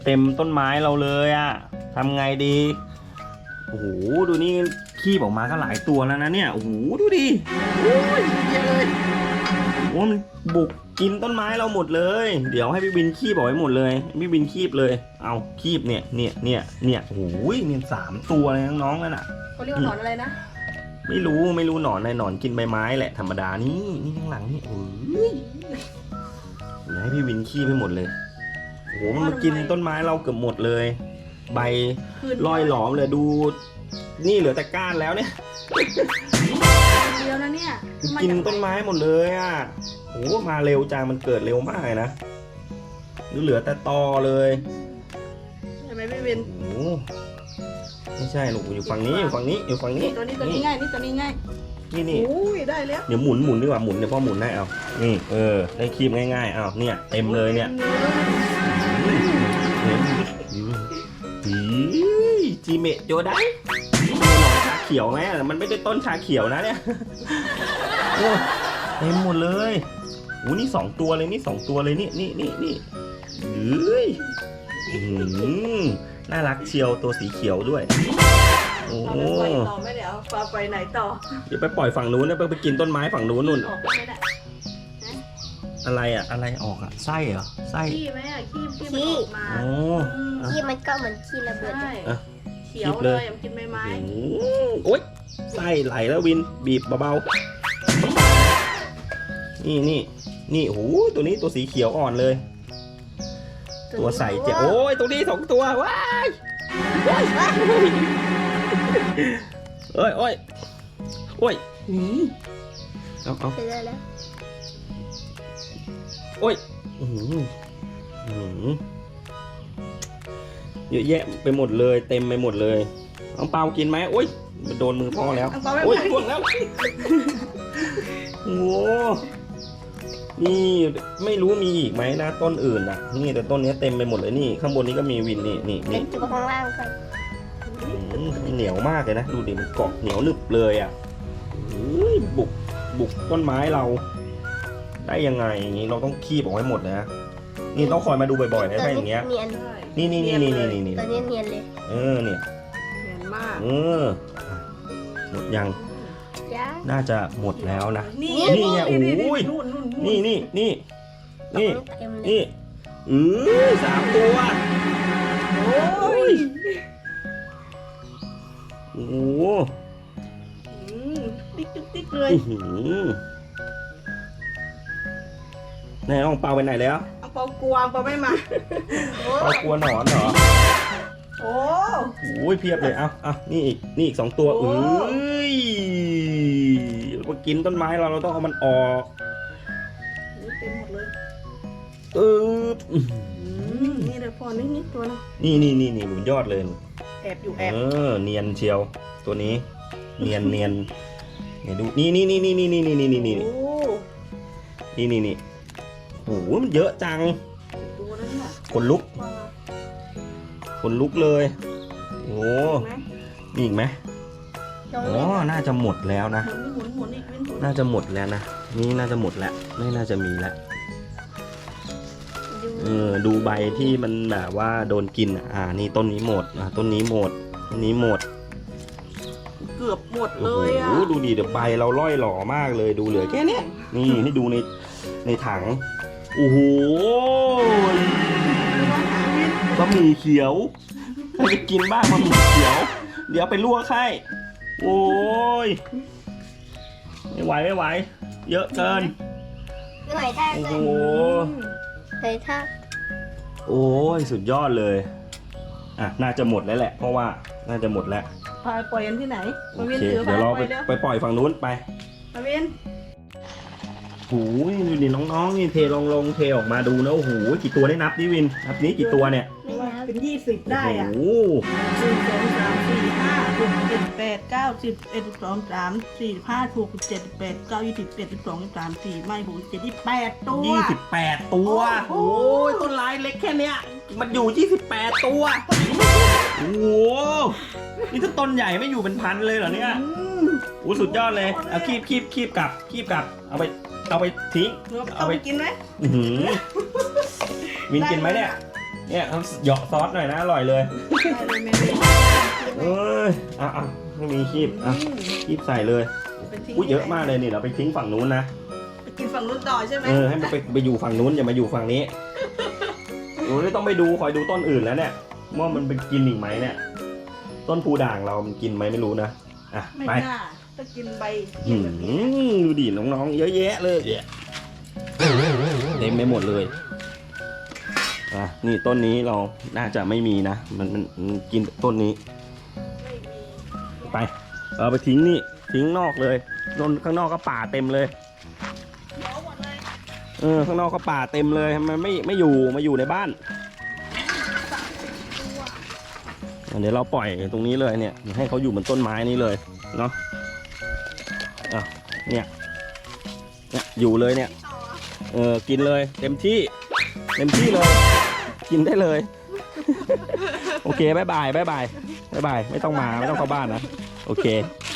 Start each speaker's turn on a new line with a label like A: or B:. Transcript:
A: เต็มต้นไม้เราเลยอะทำไงดีโอ้โหดูนี่ขี้ออกมาก็หลายตัวแล้วนะเนี่ยโอ้โหดูดิโอ้ยเยอะเลยโอ้มันบุกกินต้นไม้เราหมดเลยเดี๋ยวให้พี่บินขี้บอกไว้หมดเลยพี่บินขี้เลยเอาขี้เนี่ยโอ้โหเนี่ย3 ตัวเลยน้องๆนั่นน่ะ
B: เขาเรียกว่าหนอนอะไรนะ
A: ไม่รู้หนอนอะไรหนอนกินใบไม้แหละธรรมดานี่ข้างหลังนี่โอ้ยเดี๋ยวให้พี่วินขี้ไปหมดเลยโอ้โหมันมากินต้นไม้เราเกือบหมดเลยใบลอยหลอมเลยดูนี่เหลือแต่ก้านแล้วเนี่ย
B: เดียวนะเนี่ย
A: กินต้นไม้หมดเลยอ่ะโอ้มาเร็วจังมันเกิดเร็วมากเลยนะเหลือแต่ตอเลย
B: ใช่ไหมพี่วิน
A: โอ้ไม่ใช่หนูอยู่ฝั่งนี้อยู่ฝั่งนี้
B: ตัวนี้ง่ายตัวนี้ง่าย
A: นี่
B: โอ้ยได้แล้ว
A: เดี๋ยวหมุนดีกว่าหมุนเดี๋ยวพ่อหมุนให้เอานี่ได้ครีมง่ายๆเอาเนี่ยเต็มเลยเนี่ยจีเมะโจได้ชาเขียวไหมมันไม่ได้ต้นชาเขียวนะเนี่ยเต็มหมดเลยโอ้นี่2 ตัวเลยนี่2 ตัวเลยนี่น่ารักเชียวตัวสีเขียวด้วยโอ้
B: ปล่อยต่อไม่เดี๋ยวปลาไปไหนต่อ
A: เดี๋ยวไปปล่อยฝั่งนู้นนะไปกินต้นไม้ฝั่งนู้นนู่น
B: ออกไม่ได้
A: อะไรออกอะไส้เหรอไส้
B: ขี้ไหมอะขี้มันออกมา
A: โอ้
C: ขี้มันก็เหมือนขี้ระเบิด
B: ใช่เขียวเลยมันกินใบไม้
A: โอ๊ยไส้ไหลแล้ววินบีบเบาๆนี่โอ้โหตัวนี้ตัวสีเขียวอ่อนเลยตัวใสเจ๋โอ้ยตัวนี้2 ตัวว้ายโอ้ยเอา
C: เสร็จแล้ว
A: โอ้ยเยอะแยะไปหมดเลยเต็มไปหมดเลยน้องเปากินไหมโอ้ยมันโดนมือพ่อแล้วโอ้ยพ่วงแล้วโอ้นี่ไม่รู้มีอีกไหมนะต้นอื่นอ่ะนี่แต่ต้นนี้เต็มไปหมดเลยนี่ข้างบนนี้ก็มีวินนี่
C: จุดข้างล่างก่อน
A: เหนียวมากเลยนะดูดิมันเกาะเหนียวหนึบเลยอ่ะบุกต้นไม้เราได้ยังไงอย่างนี้เราต้องคีบออกให้หมดนะนี่ต้องคอยมาดูบ่อยๆนะถ้าอย่างเงี้ยนี่
C: ตัวนี้เนียนเลย
A: เนี่ย
B: เห็นมาก
A: หมดยัง
C: จ้า
A: น่าจะหมดแล้วนะ
B: นี่
A: ไงโอ้ยนี่
C: เต็มเลย
A: 3 ตัว
B: โอ้ย
A: โอ้โห
B: ติ๊กเลย
A: ไหนน้องเปาไปไหนแล้ว
B: เอาเปากลัวเปาไม่มา
A: เปากลัวหนอนเหรอ
B: โอ้
A: โอ้ยเพียบเลยเอานี่อีก 2 ตัวมากินต้นไม้เราต้องเอามันออก
B: เต็มหมดเลย นี่เดี๋ยวพอนิดตัวนะ
A: นี่บนยอดเลย
B: แอบอยู่แอบ
A: เนียนเชียวตัวนี้เนียนเนี่ยดูนี่โอ้โหมันเยอะจัง
B: ตัวนั้นน่ะ
A: ขนลุกเลยโอ้มีอีกไหมอ๋อน่าจะหมดแล้วนะ
B: หมุนอีกเป็น
A: น่าจะหมดแล้วนะนี่น่าจะหมดแล้วไม่น่าจะมีแล้วดูใบที่มันแบบว่าโดนกินนี่ต้นนี้หมดต้นนี้หมด
B: เกือบหมดเลยอ่ะ
A: โอ้โหดูดิเดี๋ยวใบเราล่อยหล่อมากเลยดูเหลือแค่นี้นี่ให้ดูในถังโอ้โหบะหมี่เขียวใครจะกินบ้างบะหมี่เขียวเดี๋ยวไปลวกให้โอ้ยไม่ไหวเยอะเกิน
C: หน่อยท่า
A: โอ้
C: ก่
A: โห
C: อนหน่อยท่า
A: โอ้ยสุดยอดเลยน่าจะหมดแล้วแหละเพราะว่าน่าจะหมดแล้ว
B: ปล่อยกันที่ไหน
A: โอเคเดี๋ยวเราไปปล่อยฝั่งนู้นไป
B: มาวิน
A: โอ้ยดูดิน้องๆนี่เทลองเทออกมาดูนะโอ้โหกี่ตัวได้นับดิวินนับนี้กี่ตัวเนี่ย
B: เป็น20ได้อ่ะ
A: โอ้โห
B: 1 2 3 4 5 6 7 8 9 10 11 12 13 14 15 16 17 18 19 20 21 22 23 4ไม่6 7 28ตัว
A: 28 ตัวโอ้ยต้นไม้เล็กแค่เนี้ยมันอยู่28 ตัวโอ้โหนี่ถ้าต้นใหญ่ไม่อยู่เป็นพันเลยเหรอเนี่ยโอ้สุดยอดเลยเอาคีบกลับเอาไปทิ้ง
B: เอาไปกินไหม
A: วินกินไหมเนี่ยเนี่ยเขาเหยาะซอสหน่อยนะอร่อยเลย
B: ได้เลยแม่เลย
A: เอ้ยอ่ะไม่มีคีบคีบใส่เลย
B: ไปทิ้ง
A: อุ้ยเยอะมากเลยนี่เราไปทิ้งฝั่งนู้นนะ
B: ไปกินฝั่งนู้นต่อใช่ไหม
A: ให้มันไปอยู่ฝั่งนู้นอย่ามาอยู่ฝั่งนี้หนูไม่ต้องไปดูคอยดูต้นอื่นแล้วเนี่ยว่ามันไปกินอีกไหมเนี่ย ต้นพูด่างเรามันกินไหมไม่รู้นะอ่ะ
B: ไม่
A: ไป
B: น่าถ้ากินใบ
A: ดูดิน้องๆเยอะแยะเลยเต็มไปหมดเลยอ่ะนี่ต้นนี้เราน่าจะไม่มีนะมันกินต้นนี้
B: ไม่มี
A: ไปเอาไปทิ้งนี่ทิ้งนอกเลยนนข้างนอกก็ป่าเต็มเลย
B: หมอหมดเลย
A: ข้างนอกก็ป่าเต็มเลยทำไมไม่อยู่มาอยู่ในบ้านเดี๋ยวเราปล่อยตรงนี้เลยเนี่ยให้เขาอยู่บนต้นไม้นี้เลยเนาะเนี่ยอยู่เลยเนี่ยกินเลยเต็มที่เลย กินได้เลย โอเคบ๊ายบายไม่ต้องมาไม่ต้องเข้าบ้านนะโอเค